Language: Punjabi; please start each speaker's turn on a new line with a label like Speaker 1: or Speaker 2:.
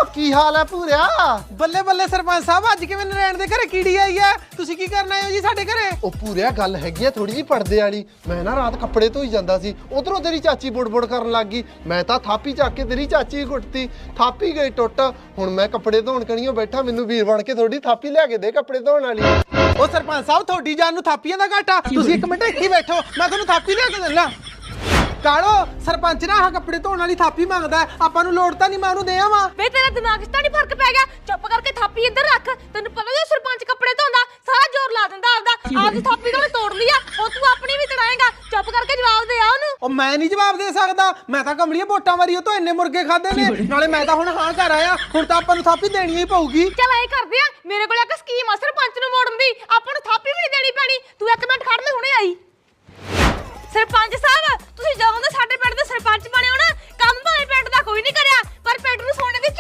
Speaker 1: ਕੀ ਹਾਲ ਹੈ ਪੂਰਿਆ?
Speaker 2: ਬੱਲੇ ਬੱਲੇ ਸਰਪੰਚ ਸਾਹਿਬ, ਅੱਜ ਕਿਵੇਂ ਨਰੈਣ ਦੇ ਘਰੇ ਕੀੜੀ ਆਈ ਆ? ਤੁਸੀਂ ਕੀ ਕਰਨ ਆਏ ਹੋ ਜੀ ਸਾਡੇ ਘਰੇ?
Speaker 1: ਉਹ ਪੂਰਿਆ ਗੱਲ ਹੈਗੀ ਆ ਥੋੜੀ ਜਿਹੀ ਪਰਦੇ ਵਾਲੀ। ਮੈਂ ਨਾ ਰਾਤ ਕੱਪੜੇ ਧੋਈ ਜਾਂਦਾ ਸੀ, ਉਧਰੋਂ ਤੇਰੀ ਚਾਚੀ ਬੁੜਬੁੜ ਕਰਨ ਲੱਗ ਗਈ। ਮੈਂ ਤਾਂ ਥਾਪੀ ਚੱਕ ਕੇ ਤੇਰੀ ਚਾਚੀ ਹੀ ਕੁੱਟਤੀ, ਥਾਪੀ ਗਈ ਟੁੱਟ। ਹੁਣ ਮੈਂ ਕੱਪੜੇ ਧੋਣ ਕਣੀਓ ਬੈਠਾ, ਮੈਨੂੰ ਵੀਰ ਬਣ ਕੇ ਥੋੜੀ ਥਾਪੀ ਲਿਆ ਕੇ ਦੇ ਕੱਪੜੇ ਧੋਣ ਵਾਲੀ।
Speaker 2: ਉਹ ਸਰਪੰਚ ਸਾਹਿਬ, ਤੁਹਾਡੀ ਜਾਨ ਨੂੰ ਥਾਪੀਆਂ ਦਾ ਘਾਟਾ। ਤੁਸੀਂ ਇੱਕ ਮਿੰਟ ਇੱਥੇ ਬੈਠੋ, ਮੈਂ ਤੁਹਾਨੂੰ ਥਾਪੀ ਲਿਆ ਕੇ ਦਿੰਦਾ। ਕਾਲੋ, ਸਰਪੰਚ ਨਾ ਆਹ ਕੱਪੜੇ ਧੋਣ ਵਾਲੀ ਥਾਪੀ ਮੰਗਦਾ। ਆਪਾਂ ਨੂੰ ਲੋੜ ਤਾਂ ਨਹੀਂ, ਮੈਂ ਉਹਨੂੰ ਦੇ ਆਵਾਂ।
Speaker 3: ਵੇ ਤੇਰਾ ਦਿਮਾਗ 'ਚ ਤਾਂ ਨਹੀਂ ਫਰਕ ਪੈ ਗਿਆ? ਚੁੱਪ ਕਰਕੇ ਥਾਪੀ ਇੱਧਰ ਰੱਖ। ਤੈਨੂੰ ਪਤਾ ਜੇ ਸਰਪੰਚ ਕੱਪੜੇ ਧੋਂਦਾ ਸਾਰਾ ਜ਼ੋਰ ਲਾ ਦਿੰਦਾ ਆਪਦੀ ਥਾਪੀ ਤੋਂ ਤੋੜ ਲਈ ਆ, ਉਹ ਤੂੰ ਆਪਣੀ ਵੀ ਤੜਾਏਗਾ। ਚੁੱਪ ਕਰਕੇ ਜਵਾਬ ਦੇ ਆ ਉਹਨੂੰ।
Speaker 2: ਉਹ ਮੈਂ ਨਹੀਂ ਜਵਾਬ ਦੇ ਸਕਦਾ, ਮੈਂ ਤਾਂ ਕਮਲੀਏ ਵੋਟਾਂ ਵਾਰੀ ਉਹ ਤੋਂ ਇੰਨੇ ਮੁਰਗੇ ਖਾਦੇ ਨੇ। ਨਾਲੇ ਮੈਂ ਤਾਂ ਹੁਣ ਹਾਂ ਘਰ ਆਇਆ, ਹੁਣ ਤਾਂ ਆਪਾਂ ਨੂੰ ਥਾਪੀ ਦੇਣੀ ਹੀ ਪਊਗੀ।
Speaker 3: ਚੱਲ ਐ ਕਰਦੇ ਆ, ਮੇਰੇ ਕੋਲ ਇੱਕ ਸਕੀਮ ਆ ਸਰਪੰਚ ਨੂੰ ਮੋੜਨ ਦੀ। ਆਪਾਂ ਨੂੰ ਥਾਪੀ ਵੀ ਨਹੀਂ ਦੇਣੀ ਪੈਣੀ। ਤੂੰ ਇੱਕ ਮਿੰਟ ਖੜ ਲੈ, ਹੁਣੇ ਆਈ। ਸਰਪੰਚ ਸਾਹਿਬ, ਤੁਸੀਂ ਜਦੋਂ ਦੇ ਸਾਡੇ ਪਿੰਡ ਦੇ ਸਰਪੰਚ ਬਣੇ ਹੋ ਨਾ, ਕੰਮ ਭਾਵੇਂ ਪਿੰਡ ਦਾ ਕੋਈ ਨਹੀਂ ਕਰਿਆ, ਪਰ ਪਿੰਡ ਨੂੰ ਸੋਨੇ ਦੀ